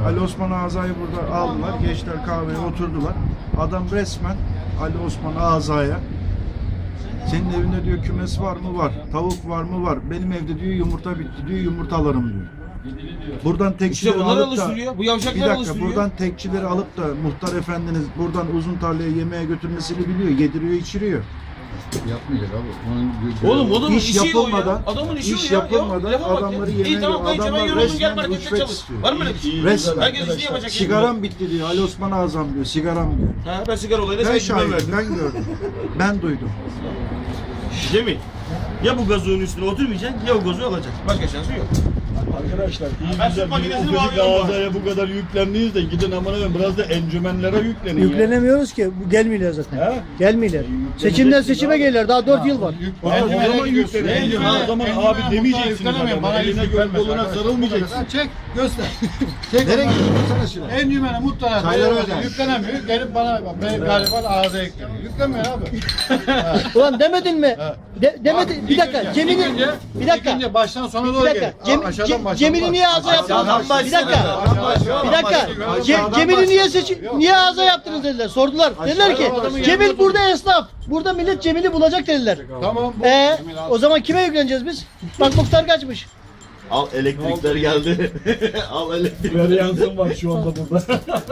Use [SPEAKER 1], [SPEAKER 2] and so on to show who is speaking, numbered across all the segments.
[SPEAKER 1] Ali Osman Ağza'yı burada aldılar. Gençler kahveye oturdular. Adam resmen Ali Osman Ağza'ya senin evinde diyor kümes var mı? Var. Tavuk var mı? Var. Benim evde diyor yumurta bitti diyor. Yumurta alırım diyor. Buradan tekçileri
[SPEAKER 2] İşte bunlar
[SPEAKER 1] alıp da
[SPEAKER 2] alıştırıyor. Bu
[SPEAKER 1] bir
[SPEAKER 2] yavşaklar
[SPEAKER 1] dakika
[SPEAKER 2] alıştırıyor.
[SPEAKER 1] buradan tekçileri alıp da muhtar efendiniz buradan uzun tarlaya yemeğe götürmesini biliyor. Yediriyor, içiriyor.
[SPEAKER 3] Yapmayacak abi.
[SPEAKER 2] Oğlum adamın
[SPEAKER 1] İş
[SPEAKER 2] işi
[SPEAKER 1] yapılmadan,
[SPEAKER 2] o ya. Adamın işi
[SPEAKER 1] iş
[SPEAKER 2] o ya.
[SPEAKER 1] yapılmadan
[SPEAKER 2] Yapma bak
[SPEAKER 1] adamları
[SPEAKER 2] ya.
[SPEAKER 1] yemeğe
[SPEAKER 2] İyi tamam kayınço ben
[SPEAKER 1] adamlar
[SPEAKER 2] yoruldum gel
[SPEAKER 1] resmen
[SPEAKER 2] markette
[SPEAKER 1] rüşvet
[SPEAKER 2] çalış.
[SPEAKER 1] istiyor.
[SPEAKER 2] Var mı öyle bir şey?
[SPEAKER 1] Resmen.
[SPEAKER 2] Herkes işini yapacak.
[SPEAKER 1] Sigaram bitti diyor. Ali Osman Ağzam diyor. Sigaram diyor.
[SPEAKER 2] Ha, ben sigara olayına
[SPEAKER 1] Ben
[SPEAKER 2] sen güven
[SPEAKER 1] şahidim,
[SPEAKER 2] verdim.
[SPEAKER 1] ben gördüm. Ben duydum.
[SPEAKER 4] Cemil, ya bu gazozun üstüne oturmayacaksın ya o gazozu alacaksın. Başka şansı yok.
[SPEAKER 3] Arkadaşlar iyi
[SPEAKER 4] Ben
[SPEAKER 3] güzel
[SPEAKER 4] süt makinesini
[SPEAKER 3] bir
[SPEAKER 4] bağlıyorum bari.
[SPEAKER 3] Ağzaya bu kadar yüklendiyiz de gidin aman efendim biraz da encümenlere yüklenin ya.
[SPEAKER 5] Yüklenemiyoruz ki. Bu gelmiyorlar zaten.
[SPEAKER 3] He?
[SPEAKER 5] Gelmiyorlar. Seçimden seçime gelirler. Daha 4 yıl var.
[SPEAKER 3] O zaman yüklenin. O zaman abi demeyeceksiniz adama. Eline göl koluna sarılmayacaksın.
[SPEAKER 6] Çek, göster. Çek. Nereye gidiyorsun? En yümene mutlaka yüklenemiyor. Gelip bana galiba ağza yükleniyor. Yüklemiyor abi.
[SPEAKER 5] Ulan demedin mi? Demedin. Bir dakika. Cemil'in bir dakika.
[SPEAKER 6] İkinci baştan sona
[SPEAKER 5] Bir
[SPEAKER 6] doğru
[SPEAKER 5] dakika.
[SPEAKER 6] gel.
[SPEAKER 5] Cemil'i niye ağza yaptınız? Bir dakika. Bir dakika. Cemil'i niye ağza yaptınız dediler. Sordular. Dediler ki Cemil burada esnaf. Burada millet Cemil'i bulacak dediler.
[SPEAKER 6] Tamam.
[SPEAKER 5] O zaman kime yükleneceğiz biz? Bak muhtar kaçmış.
[SPEAKER 4] Al elektrikler geldi. Al elektrik.
[SPEAKER 3] Varyansın var şu anda burada.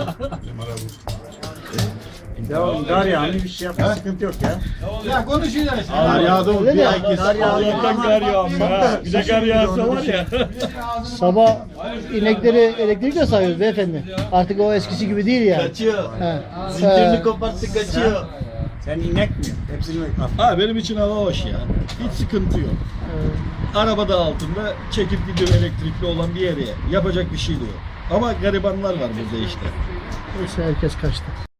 [SPEAKER 7] Gar yağını bir şey yapma sıkıntı yok ya.
[SPEAKER 6] Ya konuşuyorlar işte.
[SPEAKER 1] Kar yağdı
[SPEAKER 5] Öyle de.
[SPEAKER 3] Allah'tan kar yağmış ha. Bir de kar yağsa var ya.
[SPEAKER 5] Sabah inekleri elektrikle sayıyoruz beyefendi. Artık o eskisi gibi değil yani.
[SPEAKER 4] Kaçıyor.
[SPEAKER 5] He.
[SPEAKER 4] Zincirini koparttı kaçıyor.
[SPEAKER 7] Sen inek mi? Hepsini al.
[SPEAKER 3] Ha benim için hava hoş ya. Hiç sıkıntı yok. Arabada altında çekip gidiyor elektrikli olan bir yere. Yapacak bir şey de yok. Ama garibanlar var burada işte.
[SPEAKER 5] Neyse herkes kaçtı.